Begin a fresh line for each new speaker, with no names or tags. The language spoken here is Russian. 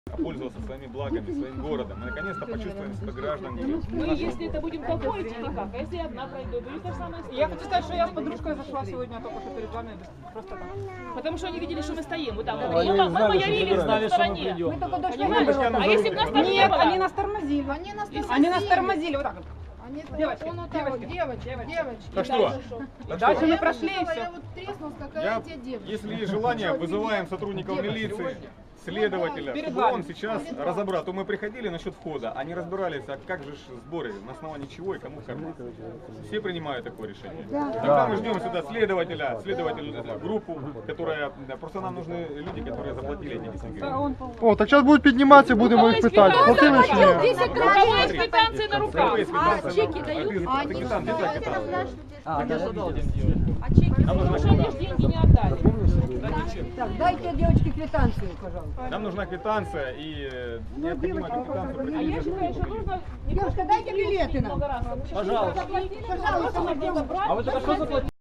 пользоваться своими благами, своим городом. Мы наконец-то почувствуем себя гражданами.
Мы, если это будем толпой идти, никак. А если одна пройду, будет та самая история.
Я хочу сказать, что я с подружкой зашла сегодня только что перед вами. Просто так.
Потому что они видели, что мы стоим. Вот там.
Они
Мы
знали,
явились
что
на стороне.
Мы только дошли.
Понимаешь? А если бы нас там не
Нет,
было?
они нас тормозили. Они нас тормозили. Вот так вот. Девочки, девочки.
Так что?
Дальше мы прошли и все.
Я вот треснулась, какая тебе девочка.
Если есть желание, вызываем сотрудников милиции, следователя,
Перед
чтобы
вами.
он сейчас разобрал. То мы приходили насчет входа, они разбирались, а как же сборы, на основании чего и кому кормить. Все принимают такое решение. Тогда мы ждем сюда следователя, группу, которая, просто нам нужны люди, которые заплатили эти 10 гривен.
О, так зараз будуть підніматися, будемо їх питати. Платили чи ні?
У кого есть квитанции на руках?
Чеки дают?
А ты там, где так это? Нам нужна
Потому что они ж деньги не отдали.
Так, дайте девочке квитанцию, пожалуйста.
Нам нужна квитанция и необходимо эту квитанцию
А я считаю, что нужно...
Девушка, дайте билеты нам.
Много раз.
Пожалуйста.
Пожалуйста,
А вы только что заплатили?